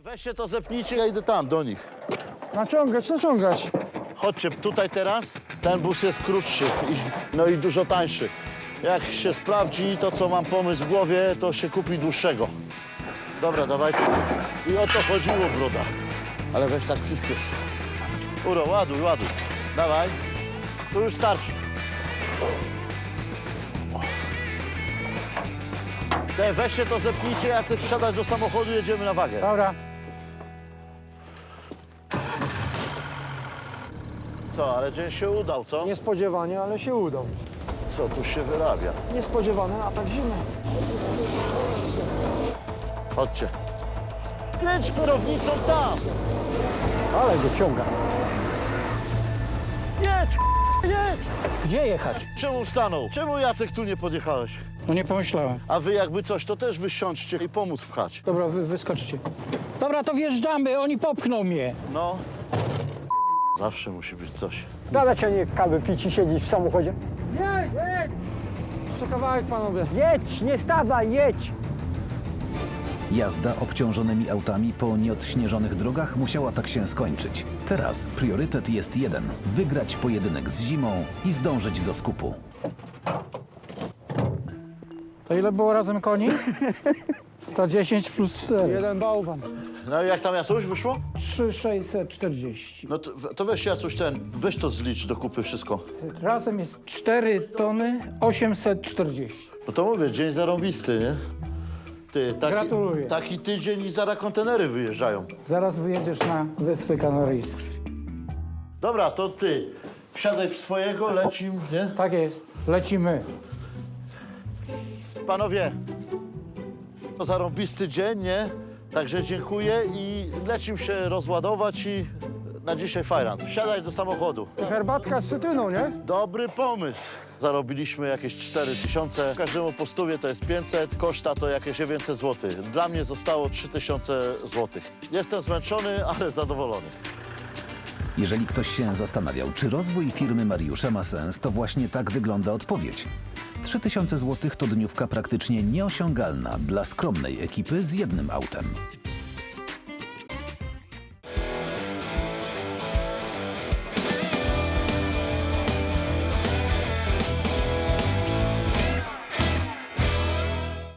Weźcie to, zepnijcie, ja idę tam, do nich. Naciągać, naciągać. Chodźcie tutaj teraz. Ten bus jest krótszy i dużo tańszy. Jak się sprawdzi to, co mam pomysł w głowie, to się kupi dłuższego. Dobra, dawajcie. I o to chodziło, broda. Ale weź tak przyspiesz. Uro, ładuj, ładuj. Dawaj. Tu już starczy. Weźcie to, zepnijcie, Jacek, wsiadać do samochodu, jedziemy na wagę. Dobra. Co, ale dzień się udał, co? Niespodziewanie, ale się udał. Co tu się wyrabia? Niespodziewane, a tak zimno. Chodźcie. Jedź kierownicą tam. Ale go ciąga. Jedź, jedź. Gdzie jechać? Czemu stanął? Czemu, Jacek, tu nie podjechałeś? No nie pomyślałem. A wy jakby coś, to też wysiądźcie i pomóc pchać. Dobra, wyskoczcie. Dobra, to wjeżdżamy, oni popchną mnie. No. Zawsze musi być coś. Dada cię nie kawy pić i siedzieć w samochodzie. Jedź, jedź! Jeszcze kawałek, panowie. Jedź, nie stawaj, jedź! Jazda obciążonymi autami po nieodśnieżonych drogach musiała tak się skończyć. Teraz priorytet jest jeden: wygrać pojedynek z zimą i zdążyć do skupu. To ile było razem koni? 110 plus 4. Jeden bałwan. No i jak tam, Jacuś, wyszło? 3640. No to weź, Jacuś, weź to zlicz do kupy wszystko. Razem jest 4 tony 840. No to mówię, dzień zarąbisty, nie? Ty, Gratuluję. taki tydzień i zaraz kontenery wyjeżdżają. Zaraz wyjedziesz na Wyspy Kanaryjskie. Dobra, to ty wsiadaj w swojego, lecim, nie? Tak jest, lecimy. Panowie, to zarąbisty dzień, nie? Także dziękuję i lecim się rozładować i na dzisiaj fajran. Wsiadaj do samochodu. Herbatka z cytryną, nie? Dobry pomysł. Zarobiliśmy jakieś 4000, każdemu po 100 to jest 500, koszta to jakieś 900 zł. Dla mnie zostało 3000 zł. Jestem zmęczony, ale zadowolony. Jeżeli ktoś się zastanawiał, czy rozwój firmy Mariusza ma sens, to właśnie tak wygląda odpowiedź. 3000 zł to dniówka praktycznie nieosiągalna dla skromnej ekipy z jednym autem.